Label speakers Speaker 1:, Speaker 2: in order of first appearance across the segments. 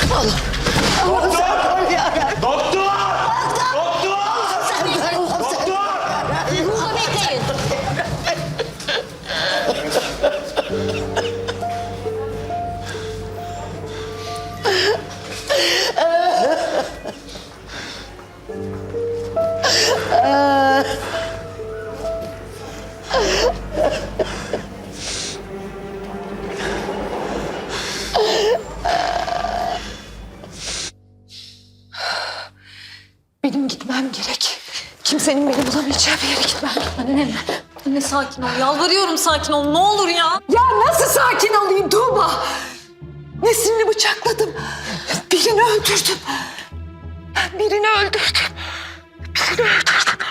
Speaker 1: Allah. Allah sen koru ya.
Speaker 2: Doktor!
Speaker 1: Allah sen koru. Allah sen koru.
Speaker 3: Burada bekleyin.
Speaker 4: Benim gitmem gerek. Kimsenin beni bulamayacağı bir yere gitmem.
Speaker 3: Anne sakin ol. Yalvarıyorum sakin ol. Ne olur ya.
Speaker 4: Ya nasıl sakin olayım Tuğba? Nesrin'i bıçakladım. Birini öldürdüm. Ben birini öldürdüm. Birini öldürdüm.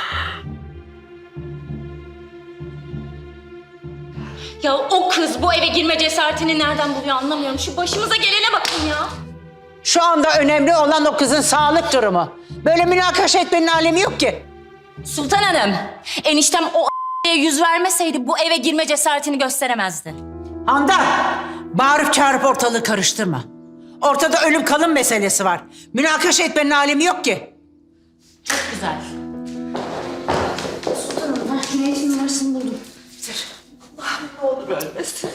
Speaker 3: Ya o kız bu eve girme cesaretini nereden buluyor anlamıyorum. Şu başımıza gelene bakın ya.
Speaker 5: Şu anda önemli olan o kızın sağlık durumu. Böyle münakaşa etmenin alemi yok ki.
Speaker 3: Sultan Hanım, eniştem o yüz vermeseydi bu eve girme cesaretini gösteremezdi.
Speaker 5: Handan, bağırıp çağırıp ortalığı karıştırma. Ortada ölüm kalım meselesi var. Münakaşa etmenin alemi yok ki.
Speaker 3: Çok güzel. Sultan Hanım, Cüneyt'in numarasını buldum.
Speaker 4: Allah'ım ne olur ölmesin.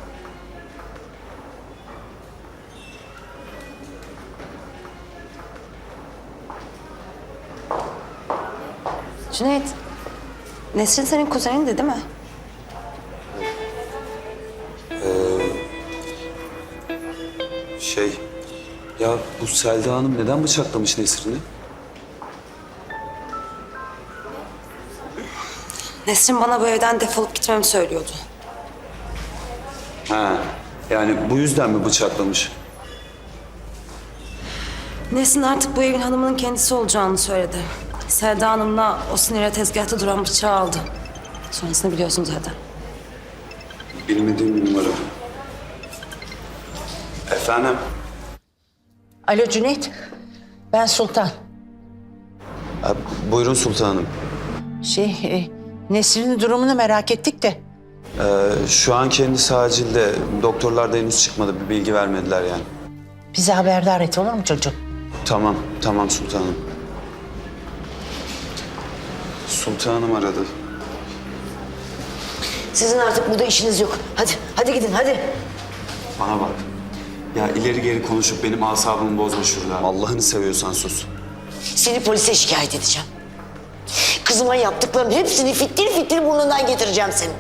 Speaker 6: Cüneyt, Nesrin senin kuzenindi değil mi?
Speaker 2: Ya bu Selda Hanım neden bıçaklamış Nesrin'i?
Speaker 6: Nesrin bana bu evden defolup gitmemi söylüyordu.
Speaker 2: Ha, yani bu yüzden mi bıçaklamış?
Speaker 6: Nesrin artık bu evin hanımının kendisi olacağını söyledi. Selda Hanım'la o sinire tezgahta duran bıçağı aldı. Sonrasını biliyorsun zaten.
Speaker 2: Bilmediğim bir numara. Efendim?
Speaker 5: Alo Cüneyt, ben Sultan.
Speaker 2: Ha, buyurun sultanım.
Speaker 5: Nesrin'in durumunu merak ettik de.
Speaker 2: Şu an kendisi acilde. Doktorlar da henüz çıkmadı. Bir bilgi vermediler yani.
Speaker 5: Bizi haberdar et olur mu çocuğum?
Speaker 2: Tamam, tamam sultanım. Sultanım aradı.
Speaker 1: Sizin artık burada işiniz yok. Hadi, hadi gidin hadi.
Speaker 2: Bana bak. Ya ileri geri konuşup benim asabımı bozma şurada. Allah'ını seviyorsan sus.
Speaker 1: Seni polise şikayet edeceğim. Kızıma yaptıklarının hepsini fitil fitil burnundan getireceğim senin.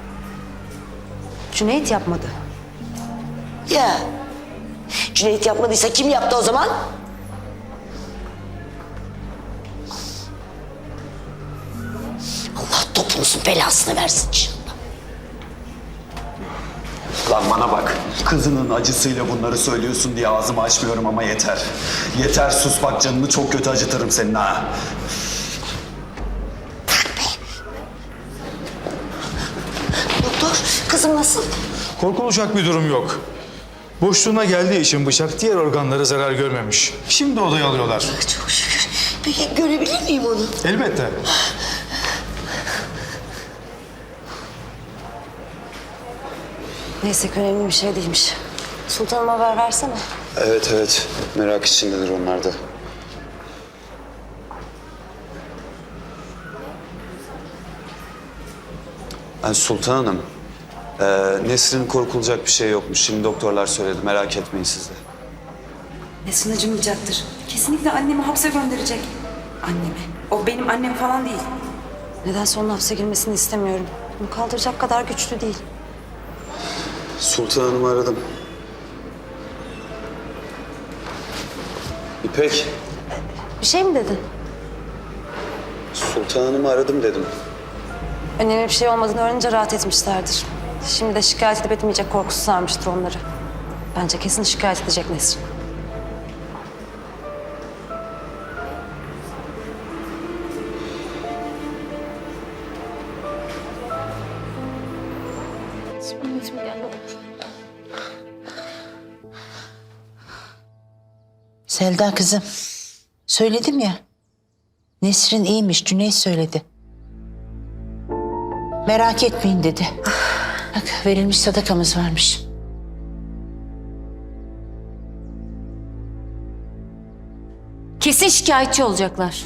Speaker 6: Cüneyt yapmadı.
Speaker 1: Ya. Cüneyt yapmadıysa kim yaptı o zaman? Allah topunuzun belasını versin inşallah.
Speaker 2: Lan bana bak. Kızının acısıyla bunları söylüyorsun diye ağzımı açmıyorum ama yeter. Yeter sus bak canını çok kötü acıtırım senin ha.
Speaker 1: Doktor, kızım nasıl?
Speaker 7: Korkulacak bir durum yok. Boşluğuna geldiği için bıçak diğer organlara zarar görmemiş. Şimdi odaya alıyorlar.
Speaker 1: Çok şükür. Peki görebilir miyim onu?
Speaker 7: Elbette.
Speaker 6: Neyse ki önemli bir şey değilmiş. Sultanıma haber versene.
Speaker 2: Evet evet. Merak içindedir onlar da. Sultan Hanım. Nesrin'in korkulacak bir şey yokmuş. Şimdi doktorlar söyledi. Merak etmeyin siz de.
Speaker 6: Nesrin acımayacaktır. Kesinlikle annemi hapse gönderecek. Annemi. O benim annem falan değil. Nedense onun hapse girmesini istemiyorum. Bunu kaldıracak kadar güçlü değil.
Speaker 2: Sultan Hanım'ı aradım. İpek.
Speaker 6: Bir şey mi dedin?
Speaker 2: Sultan Hanım'ı aradım dedim.
Speaker 6: Önemli bir şey olmadığını öğrenince rahat etmişlerdir. Şimdi de şikayet edip etmeyecek korkusu sarmıştır onları. Bence kesin şikayet edecek Nesrin.
Speaker 5: Selda kızım, söyledim ya. Nesrin iyiymiş, Cüneyt söyledi. Merak etmeyin dedi. Bak verilmiş sadakamız varmış.
Speaker 3: Kesin şikayetçi olacaklar.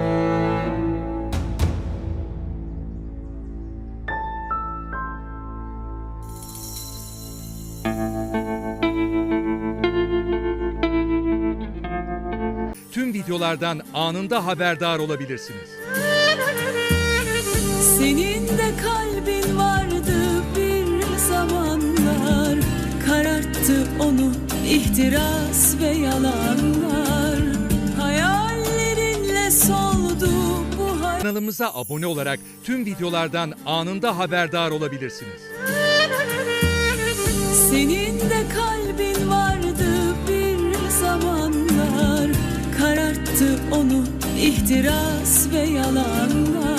Speaker 8: Tüm videolardan anında haberdar olabilirsiniz.
Speaker 9: Senin de kalbin vardı bir zamanlar, kararttı onu ihtiras ve yalanlar. Hayallerinle soldu bu
Speaker 8: Kanalımıza abone olarak tüm videolardan anında haberdar olabilirsiniz.
Speaker 9: Senin de kalbin vardı bir zamanlar, kararttı onu ihtiras ve yalanlar.